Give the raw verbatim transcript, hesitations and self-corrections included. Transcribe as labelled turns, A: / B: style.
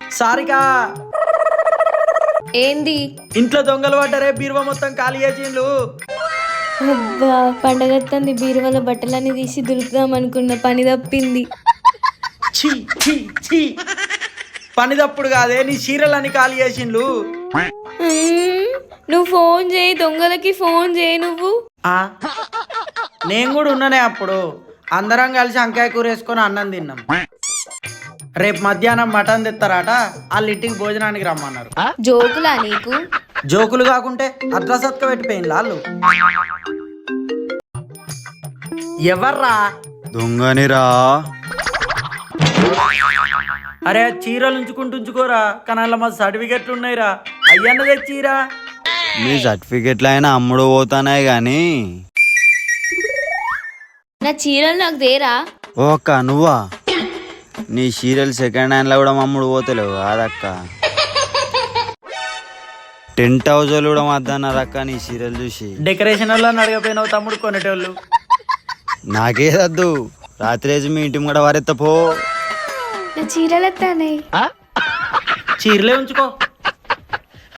A: సారికా
B: ఏంది?
A: ఇంట్లో దొంగలు పడ్డరే, బీరువా మొత్తం ఖాళీ చేసిండ్లు.
B: అబ్బా పండగత్తంది, బీరువాల బట్టలన్నీ తీసి దులుపుదాం అనుకున్న, పని తప్పింది.
A: ఛీ ఛీ ఛీ, పని తప్పుడు కాదే, నీ చీరలన్నీ ఖాళీ చేసిండ్లు.
B: మ్మ్, నువ్వు ఫోన్ చేయి, దొంగలకి ఫోన్ చేయి నువ్వు.
A: ఆ, నేను కూడా ఉన్నానే అప్పుడు. అందరం కలిసి వంకాయ కూర వేసుకొని అన్నం తిన్నాం. రేపు మధ్యాహ్నం మటన్ తెస్తారట, వాళ్ళ ఇంటికి భోజనానికి రమ్మన్నారు.
B: జోకులా నీకు?
A: జోకులు కాకుంటే అద్రసత్క పెట్టిపోయింది వాళ్ళు. ఎవర్రా?
C: దొంగనిరా.
A: అరే చీరలు ఉంచుకుంటూ ఉంచుకోరా, కానీ అలా మా సర్టిఫికెట్లు ఉన్నాయిరా, అయ్యన్న తెచ్చిరా.
C: మీ సర్టిఫికెట్లు అయినా అమ్ముడు పోతానాయి గాని
B: నా చీరలు నాకు దేరా.
C: ఓ అక్క నువ్వా? నీ సీరియల్ సెకండ్ హ్యాండ్ లో కూడా అమ్ముడు పోతలేవు కాదక్క. టెంట్ హౌస్ వాళ్ళు కూడా వద్దన్నారు అక్క నీ సీరియల్ చూసి.
A: డెకరేషన్ వల్ల అడగపోయినావు తమ్ముడు కొనేటోళ్ళు.
C: నాకేదద్దు, రాత్రి వేసి మీ ఇంటి కూడా వారెత్తపో.
B: నా చీరలు ఎత్తానే.
A: చీరలే ఉంచుకో.